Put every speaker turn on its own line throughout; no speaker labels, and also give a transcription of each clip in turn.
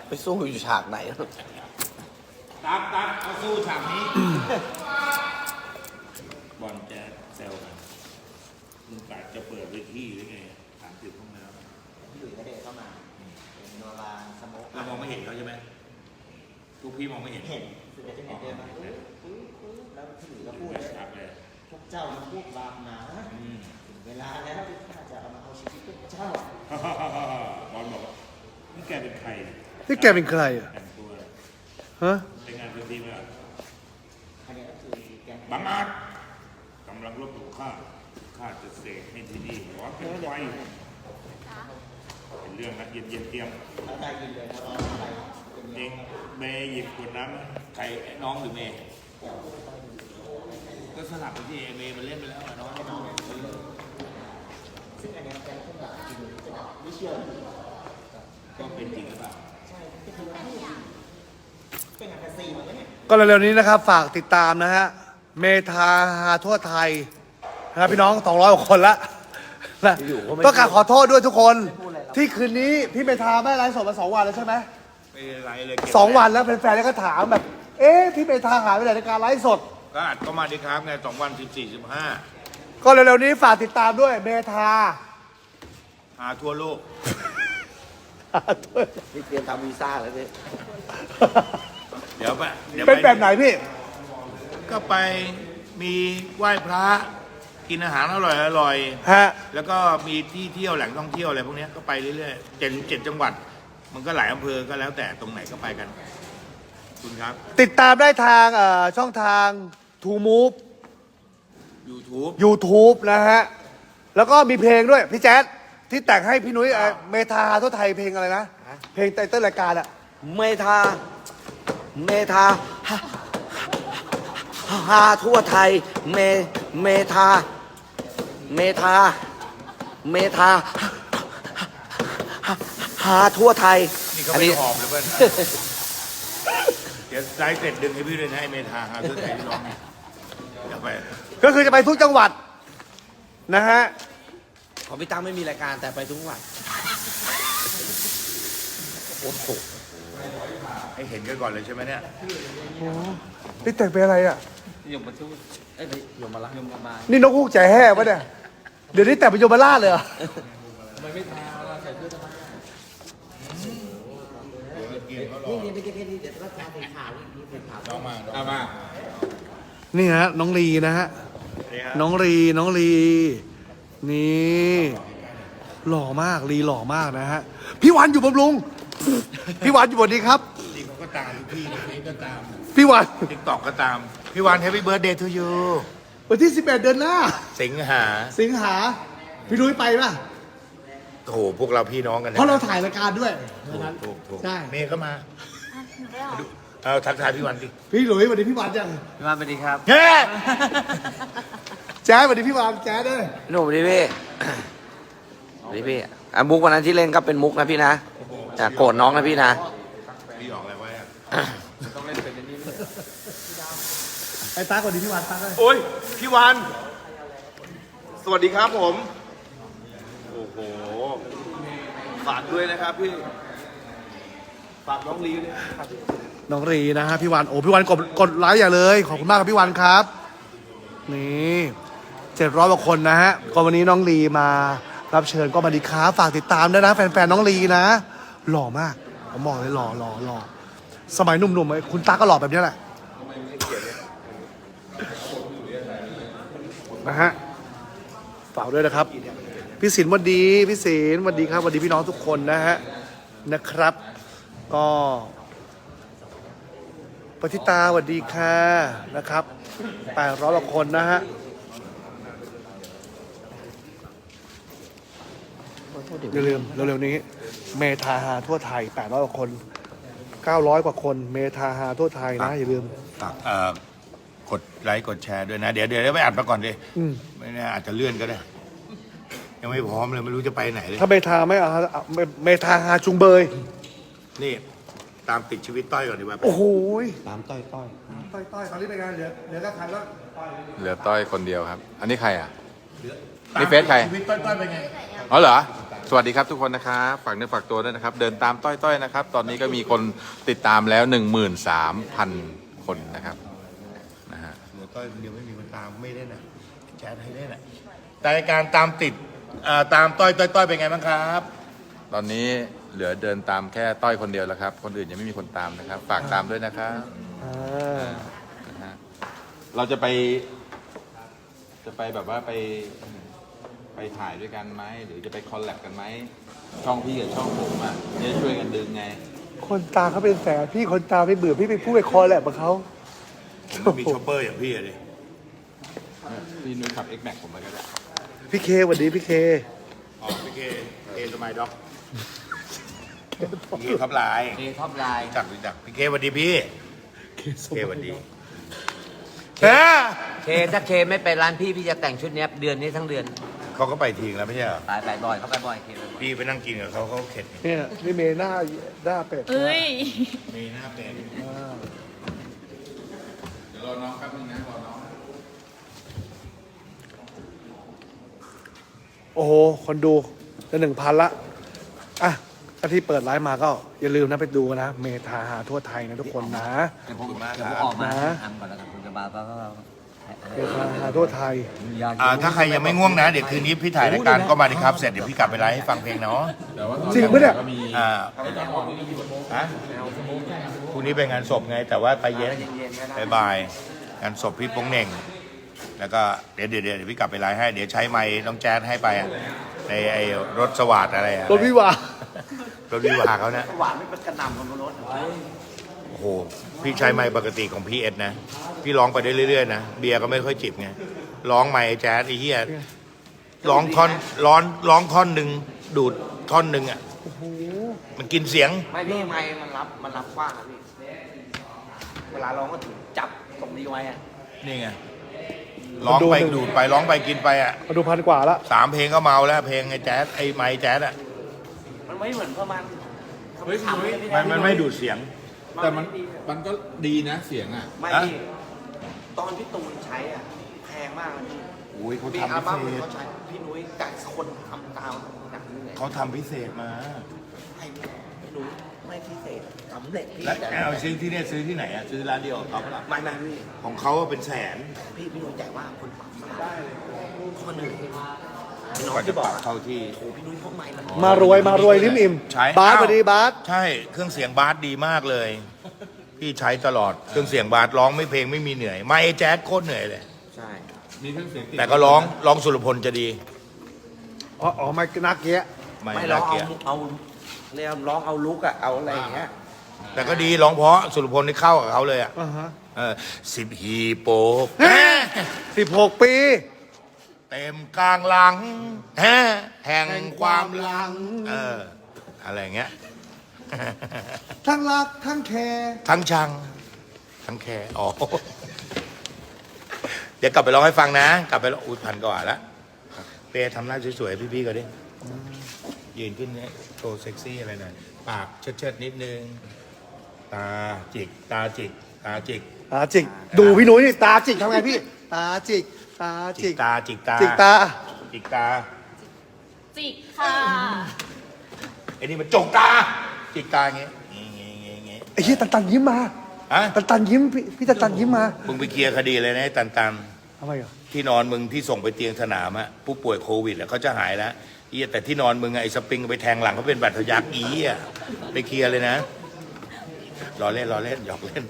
ไปสู้อยู่ฉากไหน
ตามเอาสู้ฉากนี้ บอลแจ๊สแซวกันมึงกะจะเปิดเวทีหรือไง30 ห้องน้ำ
พี่หลุยส์ก็เดินเข้ามาเป็นโนราสโมก
เรามองไม่เห็นเขาใช่ไหมทุกพี่มองไม่เห็น
เห็นคือจะเห็นเดินมาแล้วพี่หลุยส์ก็พูดเลยพวกเจ้ามันพูดบาปหนาถึงเวลาแล้วที่ข้าจะเอามาเอาชีวิตพวกเจ้า
บอลบอกว่านี่แกเป็นใคร
นี่แกเป็นใครอ่ะ
แต่งตัว
ฮะ
เป็นงานเป็นทีมอะ
อันนี้ก็คือแก
บังอาจกำลังลบหลู่ข้าจะเสกให้ที่นี่ร้อนเป็นไฟเป็นเรื่องนะเย็นเตรียม
แล้วได้ยินเลยนะร้อนอะไร
เองเมย์หยิบขวดน้ำใครน้องหรือเมย์ก็สลับไปที่เมย์มันเล่นไปแล้วน้อง
ซึ่งอันนี้แกคงแบบจริงจะแบบไม่เชื่อ
ก็เป็นจริงหรือเปล่า
ใช่ก็คือว่าเป็นงานแฟนซีเหมือนกันเนี่ย
ก็เร็วๆนี้นะครับฝากติดตามนะฮะเมทาฮาทั่วไทยนะครับพี่น้อง200 กว่าคนละนะต้องการขอโทษด้วยทุกคนที่คืนนี้พี่เมทาไม่ไลฟ์สดมา2 วันแล้วใช่ไหม
ไม่ไรเลย
2 วันแล้วแฟนๆก็ถามแบบเอ๊ะพี่เมทาหายไปไหนในการไลฟ์สด
ก็อัดก็มาดีครับไง2 วัน 14-15
ก็เร็วๆนี้ฝากติดตามด้วยเมทา
หาทั่วโลก
นี่เตรียมทำวีซ่าแล้วพี่
เดี๋ยว
เป็นแบบไหนพี่
ก็ไปมีไหว้พระกินอาหารอร่อย
ฮะ
แล้วก็มีที่เที่ยวแหล่งท่องเที่ยวอะไรพวกนี้ก็ไปเรื่อยๆ7 จังหวัดมันก็หลายอำเภอก็แล้วแต่ตรงไหนก็ไปกันคุณครับ
ติดตามได้ทางช่องทาง TrueMove YouTube นะฮะแล้วก็มีเพลงด้วยพี่แจ๊ดที่แต่งให้พี่นุ้ยเมทาทั่วไทยเพลงอะไรนะเพลงไตเติ้ลรายการอะ
เมทาฮาทั่วไทยเมทาฮาทั่วไทย
นี่เขาไม่หอมหรือเปล่าเดี๋ยวไลฟ์เสร็จดึงให้พี่ด้วยนะให้เมทาฮาทั่วไทยร้องอย่าไป
ก็คือจะไปทุกจังหวัดนะฮะ
ของพี่ตั้งไม่มีรายการแต่ไปทุกวันโอ้โห
ให้เห็นกันก่อนเลยใช่ไหมเนี่ย
โอ้นี่แต่งเป็นอะไรอ่ะ
ยมมาทุกยมมาละ
นี่นกฮูกใจแห่ปะเนี่ยเดี๋ยวนี้แต่งเป็นยมราชเลยเหรอ
ไม่ทาใส่เสื้อทำไมนี่ไม่ใช่แค่นี้เดี๋ยวต้องทาเป็นขาวนี่เป็นขาว
น้องมา
นี่ฮะน้องลีนะฮะน้องลีนี่หล่อมากลีหล่อมากนะฮะพี่วันอยู่บำรุงพี่วันอยู่บนนี้ครับ
นี่เขาก็ตามพี่ก็ตาม
พี่วัน
ติ๊กต็อกก็ตามพี่วัน Happy Birthday to you
วันที่11 เดือนหน้า
สิงหา
พี่นุ้ยไปป่ะ
โถพวกเราพี่น้องกันนะ
เพราะเราถ่ายรายการด้วย
ถูก
ใช่
เมย์ก็มาเอาทักทายพี่วันดิ
พี่หลุยสวัสดีพี่วันจัง
พี่วันสวัสดีครับ
เฮ้
แจ๊สสวัสดีพี่วันแจ๊สด้วย
หนุ่มดิพี่มุกวันนั้นที่เล่นก็เป็นมุกนะพี่นะโกรธน้องนะพี่นะ
พี่ออกอะไรไว้
ต้องเล่นเป็นนี้
ไอ้ตาสวัสดีพี่วันตาเลย
โอ้ยพี่วันสวัสดีครับผมโอ้โหฝากด้วยนะครับพี่ฝากน้องลีด้วย
น้องรีนะฮะพี่วันโอ้พี่วันกดไลค์อย่าเลยขอบคุณมากครับพี่วันครับนี่700 กว่าคนนะฮะก็วันนี้น้องลีมารับเชิญก็มาดีครับฝากติดตามด้วยนะแฟนๆน้องลีนะหล่อมากผมบอกเลยหล่อสมัยหนุ่มๆคุณตาก็หล่อแบบนี้แหละนะฮะฝากด้วยนะครับพี่ศิลป์วันดีพี่ศิลป์วันดีครับวันดีพี่น้องทุกคนนะฮะนะครับก็ปฏิตาสวัสดีค่ะนะครับ800 กว่าคนนะฮะอย่าลืมเร็วๆนี้เมทาฮาทั่วไทย800 กว่าคน900 กว่าคนเมทาฮาทั่วไทยนะอย่าลืม
กดไลค์กดแชร์ด้วยนะเดี๋ยวไปอัดมาก่อนดิไม่แน่อาจจะเลื่อนก็ได้ยังไม่พร้อมเลยไม่รู้จะไปไหนเลย
ถ้าเมทาไม่เอาเมทาฮาจุงเบย
นี่ตามติดชีวิตต้อยก่อนดีกว่า
โอ้โห
ตามต้อย
ตอนนี้เป็นไงเหลือก็ใครแล้ว
เหลือต้อยคนเดียวครับอันนี้ใครอ่ะนี่เฟซใคร
ชีวิตต้อยเป็นไง
อ๋อเหรอสวัสดีครับทุกคนนะครับฝากเนื้อฝากตัวด้วยนะครับ เดินตามต้อยๆนะครับ ตอนนี้ก็มีคนติดตามแล้ว 13,000 คนนะครับนะฮะ
เหลือต้อยคนเดียวไม่มีคนตามไม่ได้นะแชทให้ได้นะแต่การตามติดตามต้อยเป็นไงบ้างครับ
ตอนนี้เหลือเดินตามแค่ต้อยคนเดียวแล้วครับ คนอื่นยังไม่มีคนตามนะครับ ฝากตามด้วยนะครับ
อ่า
นะฮะเราจะไปแบบว่าไปถ่ายด้วยกันไหมหรือจะไปคอลแลบกันไหมช่องพี่กับช่องผมอ่ะจะช่วยกันดึงไง
คนตามเขาเป็นแสนพี่คนตามไม่เบื่อพี่ไปพูดไปคอแหละกับเขา
ผมไม่มีช็อปเปอร์อย่างพี่อะดิ
พี่นุ้ยขับ X Max ผมไปก็ได้
พี่เคสวัสดีพี่เค
อ๋อพี่เคสมัยด็อกพี่เคท็อปไลน์
เอท็อปไลน์
จักพี่เคสวัสดีพี่เคสวัสดี
เคถ้าเคไม่ไปร้านพี่จะแต่งชุดเนี้ยเดือนนี้ทั้งเดือน
เขาก็ไปทิ้งแล้วไม่ใช่เหรอ
ไปบ่อยเขาไปบ่อยเคไปบ่อย
พี่ไปนั่งกินกับเขาเข็ด
เนี่ยนี่เมย์หน้าเป็ด
เอ้ย
มีหน้าเป็น
เดี๋ยวรอน้องแป๊บนึงนะรอน้อง
โอ้โหคนดูจะ1,000ละอ่ะถ้าที่เปิดไลฟ์มาก็อย่าลืมนะไปดูนะเมทาหาทั่วไทยนะทุกคนนะ
เดี๋ยวผมออกมาทำก่อนแล้วกันคุณจะบาก็
เมทาหาทั่วไทย
ถ้าใครยังไม่ง่วงนะ เดี๋ยวคืนนี้พี่ถ่ายรายการก็มาดิครับ เสร็จเดี๋ยวพี่กลับไปไลฟ์ให้ฟังเพลงเนาะ
แต่ว่าตอน
จริงปะเนี่ย
ก็มี
ฮะพรุ่งนี้เป็นงานศพไง แต่ว่าไปเย็นบ่ายงานศพพี่โป้งเหน่ง แล้วก็เดี๋ยวพี่กลับไปไลฟ์ให้ เดี๋ยวใช้ไมค์น้องแจ๊ดให้ไปอะในไอ้รถสวัสดอะไรอะ
รถวิวาร
ถวิวาเขานะ
หวานไม่เป็นกระหน่ำของรถ
โอ้โห พี่ใช้ไมค์ปกติของพี่เอ็ดนะ พี่ร้องไปได้เรื่อยๆนะ เบียร์ก็ไม่ค่อยจิบไง ร้องไมค์แจ๊สไอ้เหี้ยร้องท่อนหนึ่งดูดท่อนหนึ่งอ่ะมันกินเสียง
ไม่พี่ไม่มันรับกว้างอะพี่เวลาร้องก็ถึงจับตรงนี้ไว้อะ
นี่ไง ร้องไปดูดไปร้องไปกินไปอ่ะ
มาดู1,000 กว่าละ
3 เพลงก็เมาแล้วเพลงไอ้แจ๊สไอ้ไมค์แจ๊สอ่ะ
มันไม่เหมือนประมาณ
เฮ้ย
มันไม่ดูดเสียง
แต่มันก็ดีนะเสียงอ่ะ
ไม่พี่ตอนพี่ตูนใช้อ่ะแพงมากเลยพี่
โอ้ยเขา
มี
ทำ
อัล
พิ
บั้ม
เศษ
เขาใช้พี่นุ้ยกับคนทำตามจากนี้เลย
เขาทำพิเศษมา
ให้พี่นุ้ยไม่พิเศษสำเร็จพี่
แล้ว
แต่
เอาซื้อที่เนี่ยซื้อที่ไหนอ่ะซื้อร้านเดียวกับเขาเปล่า
ไม่พี่
ของเขาอะเป็นแสน
พี่นุ้ยใจว่าคนปรับได้เลยคนหนึ่งน้อง
กว่าจะ
ที่บ
ป
อก
รับเข้าที่
โอ้พี่นุ้ยพวกใหม่มัน
มารวยลิ้มอิ่ม
ใช้
บาส
อ้าว
สวัสดีบาส
ใช่เครื่องเสียงบาสดีมากเลย พี่ใช้ตลอดเครื่องเสียงบาสร้องไม่เพลงไม่มีเหนื่อยไม่แจ๊สโคตรเหนื่อยเลย
ใช่
มีเครื่องเสียงติด
แต่ก็ร้องสุรพลจะดี
อ๋อไม่นักเกี้ย
ไม่
ไม่ร้
น่า
อง
เกลียด
เอาเรียกร้องเอาลุกอะเอาอะไรอย่างเงี้ย
แต่ก็ดีร้องเพราะสุรพลนี่เข้ากับเขาเลยอ่ะ
อ่าฮะ
10 ฮีโปก
16 ปี
เต็มกลางหลังแห่งความหลังอะไรอย่างเงี้ย
ทั้งรักทั้งแคร์
ทั้งชัง ทั้งแคร์อ๋อ เดี๋ยวกลับไปร้องให้ฟังนะ กลับไปร้องอุ้ย1,000 กว่าแล้วเป้ทำหน้าสวยๆพี่ๆก็ดิยืนขึ้นเนี่ยโชว์เซ็กซี่อะไรหน่อยปากเชิดๆนิดนึง ตาจิก ตาจิก ตาจิก
ตาจิก ดูพี่นุ้ยนี่ตาจิกทำไงพี่ ตาจิก ตา
จิ
จิ
ก
ก
ตาจิกตา
จิกตา
จิกตา
จิกค่ะ
ไอ้นี่มันจกตา จิกตาอย่างเงี้ยเงี้ย
ไอ้เหี้ยตันยิ้มมา
ฮะ
ตันยิ้มพี่ตันยิ้มมา
มึงไปเคลียร์คดีเลยนะไอ้ตัน
ทำไมอ่ะ
ที่นอนมึงที่ส่งไปเตียงสนามอะผู้ป่วยโควิดอะเขาจะหายแล้วแต่ที่นอนมึงอะไอ้สปริงไปแทงหลังเขาเป็นบัตรทะยักอีอะไปเคลียร์เลยนะรอเล่นหยอกเล่น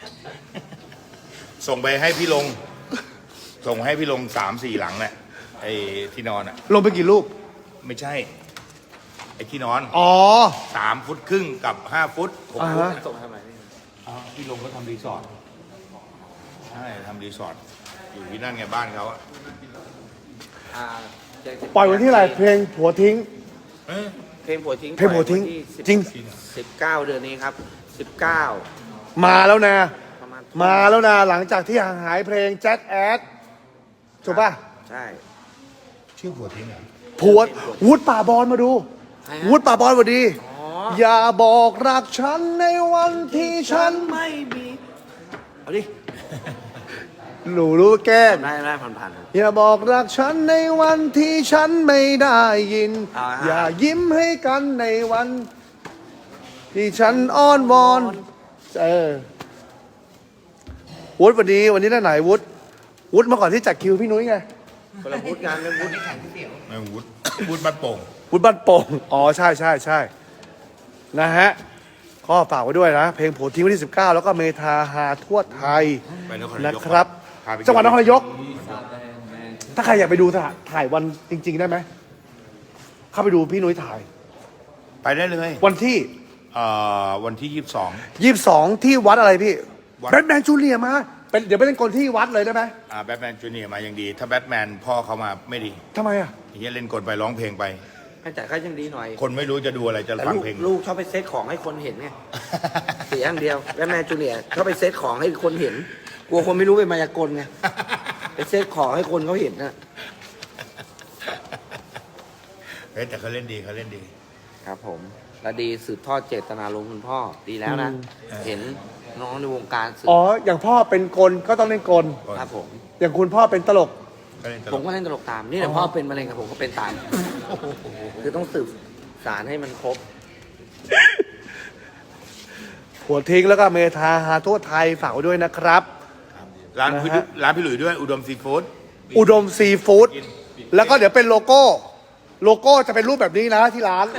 ส่งไปให้พี่ลง ส่งให้พี่ลง3-4 หลังน่ะไอ้ที่นอนอะ
ลงไปกี่รูป
ไม่ใช่ ไอ้ที่นอน
อ๋อ
3 ฟุตครึ่งกับ5 ฟุต6
อ่า
ฟุต
ฮะ
ส่งทำไมพี่
พี่ลงก็ทำรีสอร์ทใช่ทำรีสอร์ทอยู่ที่นั่นไงบ้านเขาอะ
อ่า
ปล่อยวันที่อะไรเพลงผัวทิ้ง
เอ้ย
เพลงผัวทิ้ง
เพลงผัวทิ้ง
ปล่อยวันที่
จริง
19 เดือนนี้ครับ 19
มาแล้วนะ
ประมาณ
มาแล้วนะ หลังจากที่ห่างหายเพลงแจ็คแอดถูกป่ะ
ใช่
ชื่อผัวทิ้งเหรอ
ผัววุฒิป่าบอลมาดู
ใครฮะ
วุฒิป่าบอลสวัสดี
อ๋อ
อย่าบอกรักฉันในวันที่ฉัน
ไม่มีเอาดิ
หนูรู้แกล้ง
ได้ผ่าน
อย่าบอกรักฉันในวันที่ฉันไม่ได้ยิน
อ่า
อย่ายิ้มให้กันในวัน ที่ฉันอ้อนวอนวุฒิวันนี้ได้ไหนวุฒิมาก่อนที่จัดคิวพี่นุ้ยไง
คนละวุฒิงานเรื่องวุฒิ
ไม่วุฒิวุฒิบ้านโป่ง
วุฒิบ้านโป่งอ๋อใช่นะฮะก็ฝากไว้ด้วยนะ เพลงโผล่ทิ้งวันที่ 19 แล้วก็เมทาฮาทั่วไทย
ไปนครนาย
นะ
ก
ครับ
พาไปกิน
จังหวัดนครนายก ถ้าใครอยากไปดูถ่ายวันจริง ๆ ได้ไหมเข้าไปดูพี่นุ้ยถ่าย
ไปได้เลย
วันที่
วันที่
22 ที่วัดอะไรพี่
วัด
แบทแมนจูเนียร์มาเดี๋ยวไปเล่นกลที่วัดเลยได้ไหม
22แบทแมนจูเนียร์มายังดี ถ้าแบทแมนพ่อเขามาไม่ดี
ทำไมอ่ะ
เฮียเล่นกลไปร้องเพลงไป
แต่ก็ยังดีหน่อย
คนไม่รู้จะดูอะไรจะ
แต่
ฟัง
ลูก
เพลง
ลูกชอบไปเซตของให้คนเห็นไง เสียอย่างเดียวแล้วแม่จูเนียร์ชอบไปเซตของให้คนเห็น กลัวคนไม่รู้เป็นมายากลไง ไปเซตของให้คนเขาเห็นนะ
เฮ้ยแต่เขาเล่นดี
ครับผมและดีสืบทอดเจตนารมณ์คุณพ่อดีแล้วนะ เห็นน้องในวงการสืบ
อ๋ออย่างพ่อเป็นกลก็ต้องเล่นกล
ครับผม
อย่างคุณพ่อเป็นตลก
เขาเล่นตล
ผม
ก
ก็เล่นตลกตาม นี่แหละพ่อเป็นมะเร็งกับผมก็เป็นตาม คือต้องสืบสารให้มันครบ
หัวทิ้งแล้วก็เมทาฮาทั่วไทยฝากไว้ด้วยนะครับ
ร้าน
นะ
พี่
ฮะ
ร้านพี่หลุยด้วยอุดมซีฟู้ด
อุดมซีฟู้ดแล้วก็เดี๋ยวเป็นโลโก้จะเป็นรูปแบบนี้นะที่ร้าน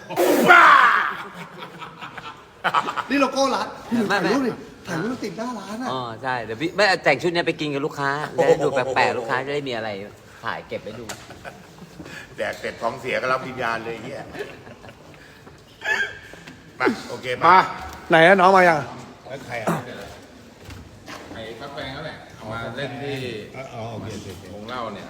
นี่โลโก้ร้านพี่หนูถ่ายรูปดิถ่ายรูปติดหน้าร้านอ่ะ
อ๋อใช่เดี๋ยวพี่ไม่แต่งชุดเนี้ยไปกินกับลูกค้าจะได้ดูแปลกๆลูกค้าจะได้มีอะไรถ่ายเก็บไว้ดู
แดกเสร็จท้องเสียก็รับวิญญาณเลยเฮียมาโอเค
มาไหนอะน้องมายัง
แล้วใครอ่ะ
ไอ้ฟักแฟงนั่นแหละเอามาเล่นที่
อ๋อโอเคโอเค
วงเล่าเนี่ย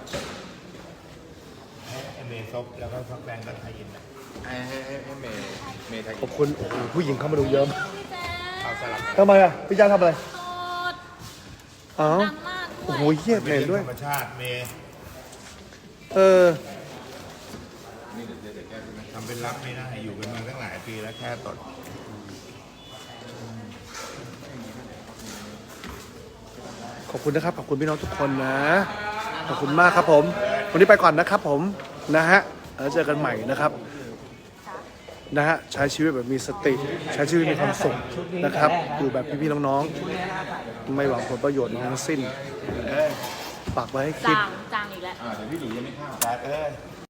ให้เมย์ซบแล้วก็ฟักแบงกับไทยอินนะ
ให้เมย์ไทย
ขอบคุณโอ้โหผู้หญิงเข้ามาดูเยอะมาก
เอาสลับกัน
ทำไมอ่ะพี่จ้าทำอะไร
โสด
อ๋อ
ดังมากด้
โอ้
วย
โหเหี้ย
เป็น
เห็น
เรื่
ด้ว
อย งธรรมชาติเมย์ ทำเป็นรับไม่ได้อยู่กันมาตั้งหลายปีแล้วแค่ตด
ขอบคุณนะครับขอบคุณพี่น้องทุกคนนะขอบคุณมากครับผมวันนี้ไปก่อนนะครับผมนะฮะแล้วเจอกันใหม่นะครับนะฮะใช้ชีวิตแบบมีสติใช้ชีวิตมีความสุขนะครับอยู่แบบพี่ๆน้องๆไม่หวังผลประโยชน์ทั้งสิ้นฝากไว้ให้คิด
จางอีกแล้ว
เดี๋ยวพี่หลุยยังไม่เข้า
แต่